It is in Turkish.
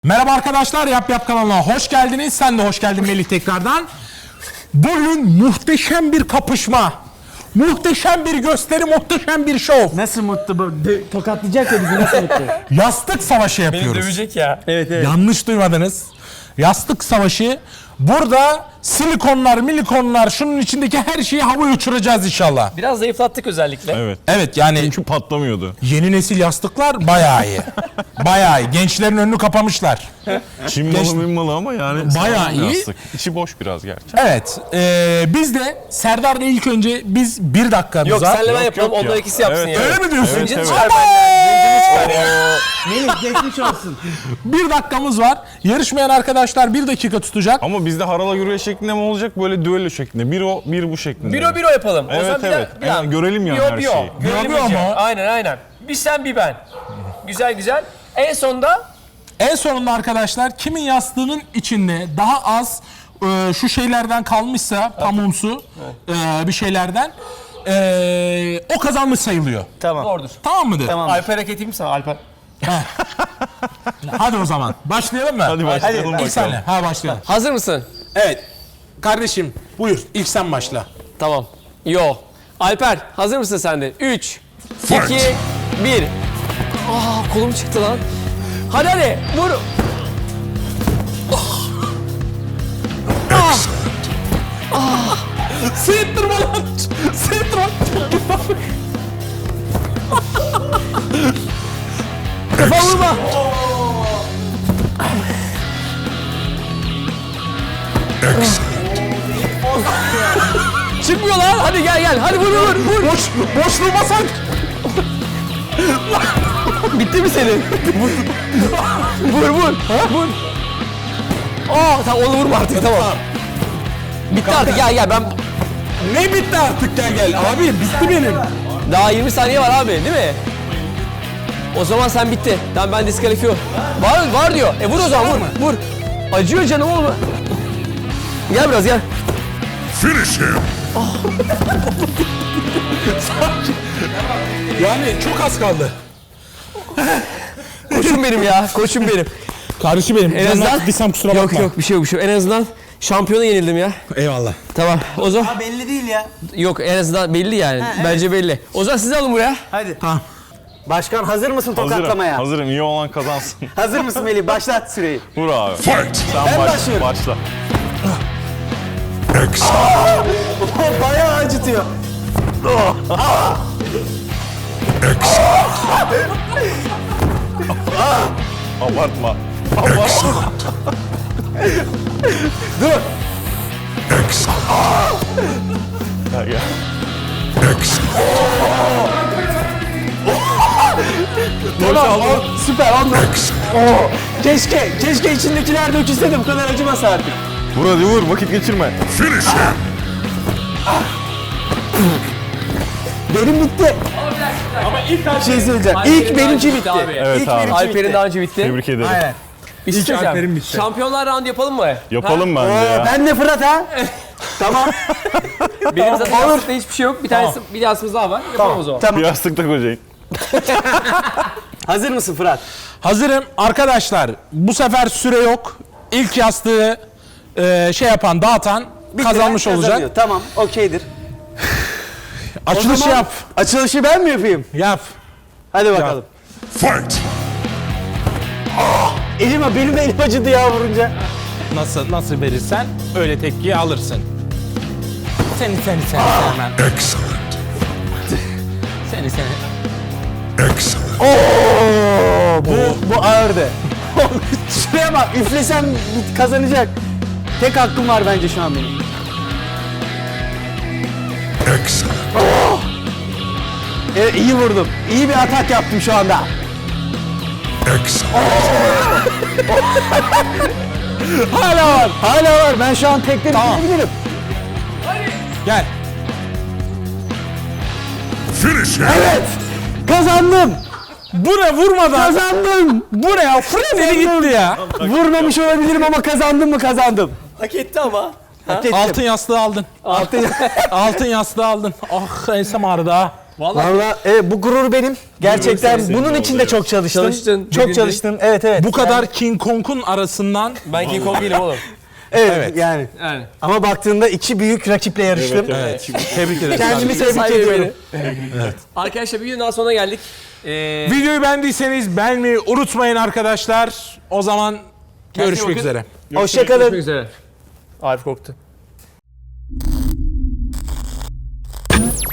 Merhaba arkadaşlar, Yap kanalına hoş geldiniz. Sen de hoş geldin Melih tekrardan. Bugün muhteşem bir kapışma, muhteşem bir gösteri, muhteşem bir şov. Nasıl mutlu bu? Tokatlayacak ya bizi, nasıl mutlu? Yastık savaşı yapıyoruz. Beni dövecek ya. Evet. Yanlış duymadınız. Yastık savaşı. Burada silikonlar, milikonlar, şunun içindeki her şeyi havaya uçuracağız inşallah. Biraz zayıflattık özellikle. Evet. Evet yani Çünkü patlamıyordu. yeni nesil yastıklar bayağı iyi. Bayağı iyi. Gençlerin önünü kapamışlar. Çin malı min malı ama yani Bayağı sağlam iyi. yastık. İçi boş biraz gerçi. Evet. Biz de Serdar'la ilk önce biz bir dakikamız Yok var. senle ben Yok, yapalım, yok onlar ya. ikisi yapsın Evet, ya. Öyle mi diyorsun? Evet, Zincini evet. çıkar benden. Zincini çıkar ya. Melih geçmiş olsun. Bir dakikamız var. Yarışmayan arkadaşlar bir dakika tutacak. Ama bizde harala güreş şeklinde mi olacak böyle düello şeklinde? Bir o bir bu şeklinde. Biro yapalım. O Evet, zaman evet. Yani görelim yani her şeyi. Görelim Biro önce. mu? Aynen. Bir sen bir ben. Güzel. En sonda En sonunda arkadaşlar kimin yastığının içinde daha az şu şeylerden kalmışsa pamumsu bir şeylerden o kazanmış sayılıyor. Tamam. doğrudur. Tamam mıdır? Tamam. Alper hareket mi sana Alper? Hadi o zaman. Başlayalım mı? Hadi başlayalım İlk senle. bakalım. Ha başlayalım. Hazır mısın? Evet. Kardeşim buyur. İlk sen başla. Tamam. Yo. Alper hazır mısın sen de? 3, 2, 1. Kolum çıktı lan. Hadi vur. Seyittirme lan. Seyittirme. Kafa vurma. Çıkmıyor lan. Hadi gel. Hadi vur. Boşluğu basak. Bitti mi senin? Vur. Vur. Tamam onu vurma artık tamam. Bitti artık gel ben. Ne bitti artık gel. Abi bitti benim. Daha 20 saniye var abi değil mi? O zaman sen bitti. Tamam ben diskalifiyorum. Var diyor. Vur o zaman vur. Acıyor canım oğlum. Gel biraz gel. Finish him. Yani çok az kaldı. Koçum benim ya. Koçum benim. Kardeşi benim. En azından Gitsem kusura bakma. Yok bir şey yok. En azından şampiyona yenildim ya. Eyvallah. Tamam. O zaman Belli değil ya. yok en azından belli yani. evet. Bence belli. O zaman sizi alın buraya. Hadi. Tamam. Başkan hazır mısın Hazırım. tokatlamaya? Hazırım. İyi olan kazansın. Hazır mısın Melih? Başlat süreyi. Vur abi. Fight. Sen Ben başla. başlıyorum. Başla. Bayağı acıtıyor. Abartma. Dur. Gel. Süper. Keşke içindekiler dökülse de bu kadar acımasa artık. Vur hadi vur. Vakit geçirme. Finish him. Benim bitti. Ama ilk Şey söyleyeceğim. İlk benimki bitti. Evet İlk abi. benimki Alper'in bitti. daha önce bitti. Tebrik ederim. Aynen. Bir şey İlk Alper'in söyleyeceğim. bitti. Şampiyonlar round yapalım mı? Yapalım bence ya. Ben de Fırat ha. Tamam. Benim zaten yastıkta hiçbir şey yok. Bir yastığımız daha var. Yapalım o zaman. Bir Tamam. yastıkta kocayın. Hazır mısın Fırat? Hazırım. Arkadaşlar bu sefer süre yok. İlk yastığı dağıtan kazanmış Bitiren olacak. kazanıyor. Tamam. Okeydir. Açılışı zaman yap. Açılışı ben mi yapayım? Yap. Hadi bakalım. Fight. Benim de elim acıdı ya vurunca. Nasıl verirsen öyle tepkiyi alırsın. Seni hemen. Excellent. Seni. Excellent. Bu ağırdı. Şuraya bak, üflesem kazanacak. Tek hakkım var bence şu an benim. Excellent. Evet, iyi vurdum. İyi bir atak yaptım şu anda. Excellent. Hala var. Ben şu an tekte bitirebilirim. Gel. Finish him. Evet. Kazandım. Bu ne vurmadan? Kazandım. Bu ne ya? Fırın gitti ya. Vurmamış olabilirim ama kazandım mı kazandım. Hak etti ama. Hak ettim. Altın yastığı aldın. Altın. Altın yastığı aldın. Ah ensem ağrıdı ha. Valla bu gurur benim. Gerçekten bunun için de çok çalıştım. Çalıştın, Çok dedin. çalıştım. Evet. Bu kadar King Kong'un arasından Ben King Kong değilim oğlum. Evet yani. Yani. Ama baktığında iki büyük rakiple yarıştım. tebrik ederim. Kendimi tebrik Saygı ediyorum. Arkadaşlar bir gün daha sonuna geldik. Videoyu beğendiyseniz beğenmeyi unutmayın arkadaşlar. O zaman görüşmek üzere. Görüşmek Hoşçakalın. üzere. Arif korktu.